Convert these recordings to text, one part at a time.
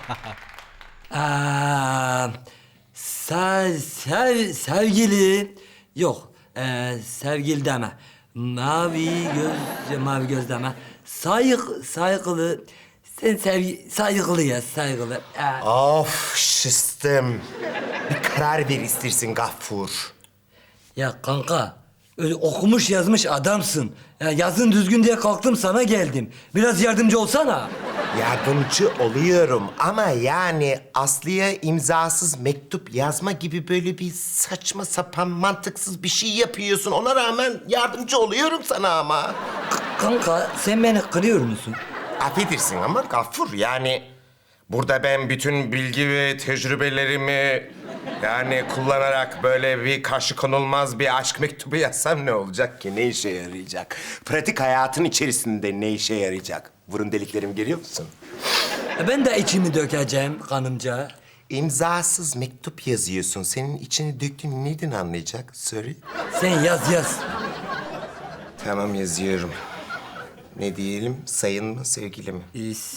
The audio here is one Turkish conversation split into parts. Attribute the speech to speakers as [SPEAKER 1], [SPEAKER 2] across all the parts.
[SPEAKER 1] Aa, sevgili yok sevgili deme. Mavi göz deme. Saygılı. Sen saygılı ya saygılı.
[SPEAKER 2] Of şıstım. Bir karar ver istersin Gaffur.
[SPEAKER 1] Ya kanka öyle okumuş yazmış adamsın. Ya yazın düzgün diye kalktım sana geldim. Biraz yardımcı olsana.
[SPEAKER 2] Yardımcı oluyorum ama yani Aslı'ya imzasız mektup yazma gibi böyle bir saçma sapan mantıksız bir şey yapıyorsun. Ona rağmen yardımcı oluyorum sana ama.
[SPEAKER 1] Kanka sen beni kırıyor musun?
[SPEAKER 2] Affedersin ama Gaffur yani burada ben bütün bilgi ve tecrübelerimi yani kullanarak böyle bir karşı konulmaz bir aşk mektubu yazsam ne olacak ki? Ne işe yarayacak? Pratik hayatın içerisinde ne işe yarayacak? Burun deliklerimi görüyor musun?
[SPEAKER 1] Ben de içimi dökeceğim kanımca.
[SPEAKER 2] İmzasız mektup yazıyorsun. Senin içini döktüğünü nereden anlayacak? Sorry.
[SPEAKER 1] Sen yaz.
[SPEAKER 2] Tamam yazıyorum. Ne diyelim? Sayın mı, sevgili mi?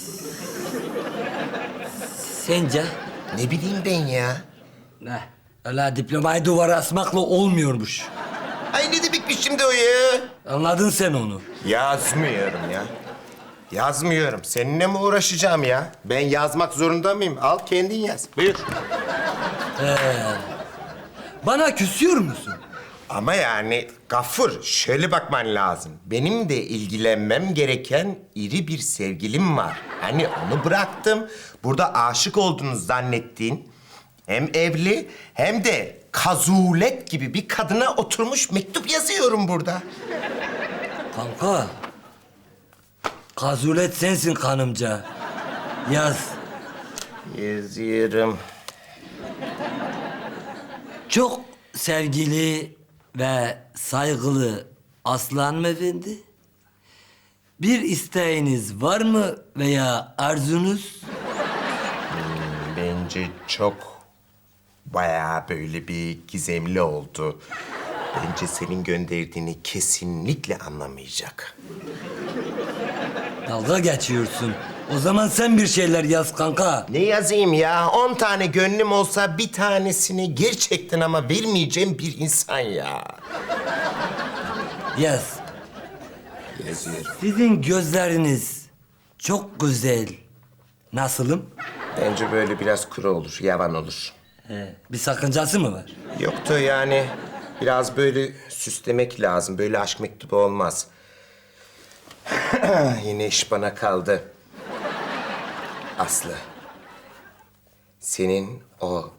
[SPEAKER 1] Sence?
[SPEAKER 2] Ne bileyim ben ya.
[SPEAKER 1] Ne? Öyle diplomayı duvara asmakla olmuyormuş.
[SPEAKER 2] Ay ne demekmiş şimdi o ya?
[SPEAKER 1] Anladın sen onu.
[SPEAKER 2] Yazmıyorum ya. Yazmıyorum. Seninle mi uğraşacağım ya? Ben yazmak zorunda mıyım? Al kendin yaz. Buyur.
[SPEAKER 1] Bana küsüyor musun?
[SPEAKER 2] Ama yani Gaffur şöyle bakman lazım. Benim de ilgilenmem gereken iri bir sevgilim var. Hani onu bıraktım. Burada aşık olduğunu zannettiğin hem evli hem de kazulet gibi bir kadına oturmuş mektup yazıyorum burada.
[SPEAKER 1] Kanka. Kazulet sensin kanımca. Yaz.
[SPEAKER 2] Yazıyorum.
[SPEAKER 1] Çok sevgili ve saygılı Aslı Hanımefendi. Bir isteğiniz var mı veya arzunuz?
[SPEAKER 2] Bence çok bayağı böyle bir gizemli oldu. Bence senin gönderdiğini kesinlikle anlamayacak.
[SPEAKER 1] Dalga geçiyorsun. O zaman sen bir şeyler yaz kanka.
[SPEAKER 2] Ne yazayım ya? 10 tane gönlüm olsa bir tanesini gerçekten ama vermeyeceğim bir insan ya.
[SPEAKER 1] Yaz.
[SPEAKER 2] Yazıyorum.
[SPEAKER 1] Sizin gözleriniz çok güzel. Nasılım?
[SPEAKER 2] Bence böyle biraz kuru olur, yavan olur.
[SPEAKER 1] Bir sakıncası mı var?
[SPEAKER 2] Yoktu yani biraz böyle süslemek lazım. Böyle aşk mektubu olmaz. Yine iş bana kaldı. Aslı. Senin o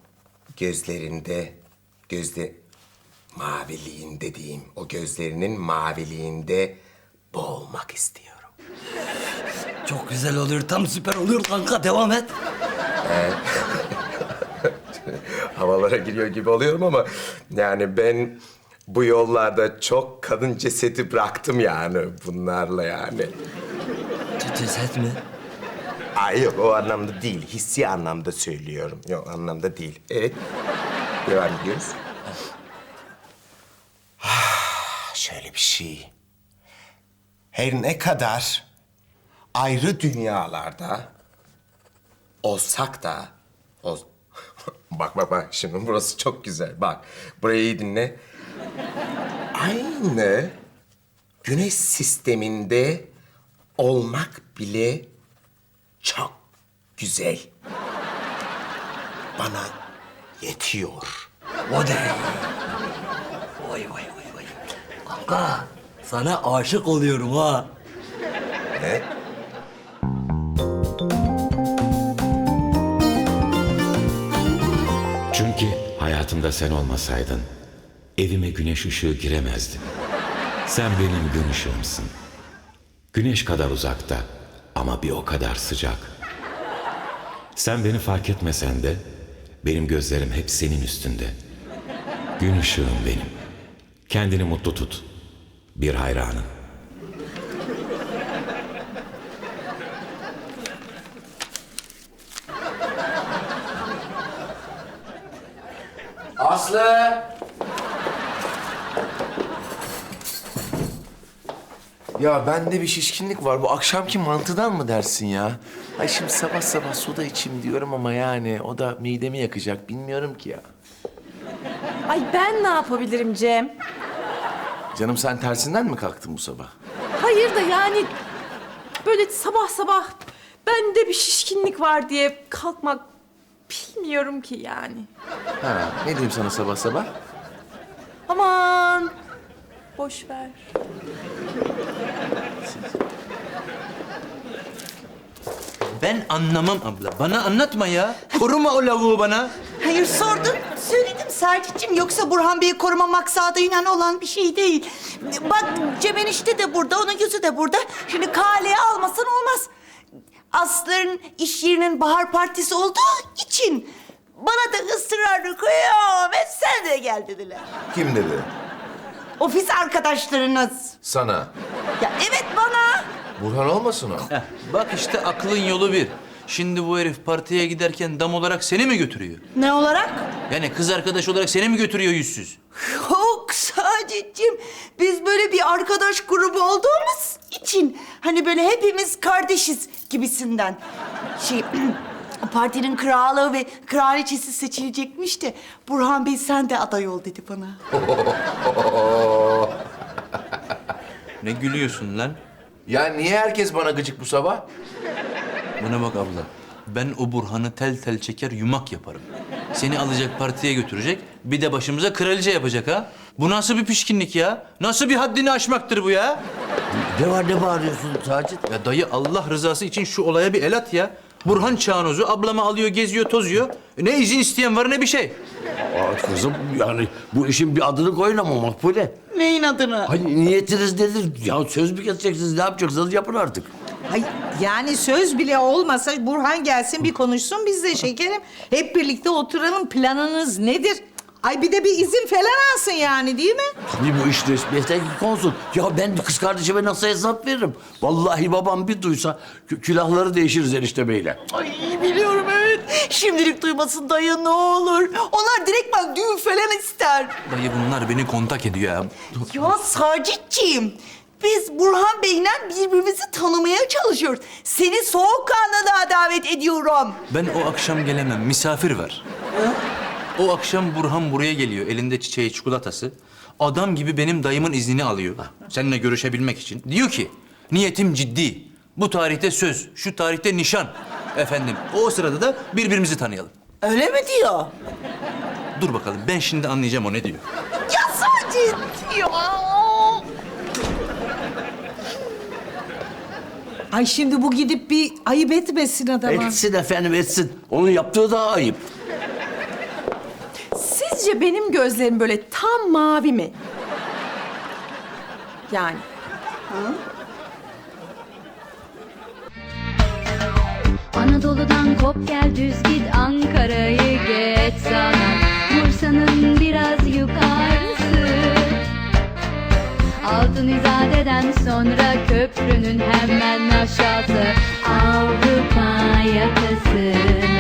[SPEAKER 2] maviliğinde diyeyim. O gözlerinin maviliğinde boğulmak istiyorum.
[SPEAKER 1] Çok güzel oluyor. Tam süper oluyor kanka. Devam et.
[SPEAKER 2] Havalara giriyor gibi oluyorum ama yani ben bu yollarda çok kadın cesedi bıraktım yani bunlarla yani.
[SPEAKER 1] Ceset mi?
[SPEAKER 2] Ay yok o anlamda değil, hissi anlamda söylüyorum. Yok anlamda değil. Evet, devam ediyoruz. Şöyle bir şey. Her ne kadar ayrı dünyalarda olsak da... Bak şimdi burası çok güzel. Bak burayı iyi dinle. Aynı güneş sisteminde olmak bile çok güzel. Bana yetiyor.
[SPEAKER 1] O de. Vay. Kanka sana aşık oluyorum ha.
[SPEAKER 2] Ne?
[SPEAKER 3] Çünkü hayatımda sen olmasaydın evime güneş ışığı giremezdi. Sen benim gün ışığımsın. Güneş kadar uzakta ama bir o kadar sıcak. Sen beni fark etmesen de benim gözlerim hep senin üstünde. Gün ışığım benim. Kendini mutlu tut. Bir hayranım.
[SPEAKER 1] Aslı!
[SPEAKER 4] Ya bende bir şişkinlik var. Bu akşamki mantıdan mı dersin ya? Ay şimdi sabah sabah soda içeyim diyorum ama yani o da midemi yakacak. Bilmiyorum ki ya.
[SPEAKER 5] Ay ben ne yapabilirim Cem?
[SPEAKER 4] Canım sen tersinden mi kalktın bu sabah?
[SPEAKER 5] Hayır da yani böyle sabah sabah bende bir şişkinlik var diye kalkmak bilmiyorum ki yani.
[SPEAKER 4] Ha, ne diyeyim sana sabah sabah?
[SPEAKER 5] Aman boş ver.
[SPEAKER 6] Ben anlamam abla. Bana anlatma ya. Koruma o lavuğu bana.
[SPEAKER 7] Hayır sordum, söyledim Sacit'ciğim. Yoksa Burhan Bey'i koruma maksadıyla olan bir şey değil. Bak Cem enişte de burada, onun yüzü de burada. Şimdi kaleye almasan olmaz. Aslı'nın iş yerinin bahar partisi olduğu için bana da ısrarlı kıyamet sen de gel dediler.
[SPEAKER 4] Kim dedi?
[SPEAKER 7] Ofis arkadaşlarınız.
[SPEAKER 4] Sana.
[SPEAKER 7] Ya evet bana.
[SPEAKER 4] Burhan olmasın o?
[SPEAKER 6] Heh, bak işte aklın yolu bir. Şimdi bu herif partiye giderken dam olarak seni mi götürüyor?
[SPEAKER 7] Ne olarak?
[SPEAKER 6] Yani kız arkadaş olarak seni mi götürüyor yüzsüz?
[SPEAKER 7] Yok Sacit'ciğim. Biz böyle bir arkadaş grubu olduğumuz için hani böyle hepimiz kardeşiz gibisinden. Şey partinin kralı ve kraliçesi seçilecekmiş de Burhan Bey sen de aday ol dedi bana.
[SPEAKER 6] Ne gülüyorsun lan?
[SPEAKER 4] Ya niye herkes bana gıcık bu sabah?
[SPEAKER 6] Buna bak abla. Ben o Burhan'ı tel tel çeker yumak yaparım. Seni alacak partiye götürecek, bir de başımıza kraliçe yapacak ha. Bu nasıl bir pişkinlik ya? Nasıl bir haddini aşmaktır bu ya?
[SPEAKER 1] Ne var ne bağırıyorsun Sacit?
[SPEAKER 6] Ya dayı Allah rızası için şu olaya bir el at ya. Burhan Çağnoz'u ablamı alıyor, geziyor, tozuyor. Ne izin isteyen var ne bir şey.
[SPEAKER 8] Aa, kızım yani bu işin bir adını koyun ama Makbule.
[SPEAKER 7] Neyin adını?
[SPEAKER 8] Hani niyetiniz nedir? Ya söz mü keseceksiniz, ne yapacaksınız yapın artık.
[SPEAKER 9] Ay, yani söz bile olmasa Burhan gelsin bir konuşsun bizle şekerim. Hep birlikte oturalım, planınız nedir? Ay bir de bir izin falan alsın yani değil mi?
[SPEAKER 8] Tabii bu iş resmiyete konsun. Ya ben kız kardeşime nasıl hesap veririm? Vallahi babam bir duysa külahları değişiriz enişte beyle.
[SPEAKER 7] Ay biliyorum evet. Şimdilik duymasın dayı ne olur. Onlar direktmen düğün falan ister.
[SPEAKER 6] Dayı bunlar beni kontak ediyor ya.
[SPEAKER 7] Ya Sacit'ciğim, biz Burhan Bey'le birbirimizi tanımaya çalışıyoruz. Seni soğukkanlılığa davet ediyorum.
[SPEAKER 6] Ben o akşam gelemem, misafir var. O akşam Burhan buraya geliyor, elinde çiçeği, çikolatası. Adam gibi benim dayımın iznini alıyor. Seninle görüşebilmek için. Diyor ki, niyetim ciddi. Bu tarihte söz, şu tarihte nişan. Efendim, o sırada da birbirimizi tanıyalım.
[SPEAKER 7] Öyle mi diyor?
[SPEAKER 6] Dur bakalım, ben şimdi anlayacağım o ne diyor.
[SPEAKER 7] Ya Sacit ya.
[SPEAKER 9] Ay şimdi bu gidip bir ayıp etmesin adama.
[SPEAKER 8] Etsin efendim etsin. Onun yaptığı daha ayıp.
[SPEAKER 5] Sizce benim gözlerim böyle tam mavi mi? Yani.
[SPEAKER 10] Anadolu'dan kop gel düz git Ankara'yı geç sana Bursa'nın biraz yukarısı Altın İzade'den sonra köprünün hemen aşağısı Avrupa yakası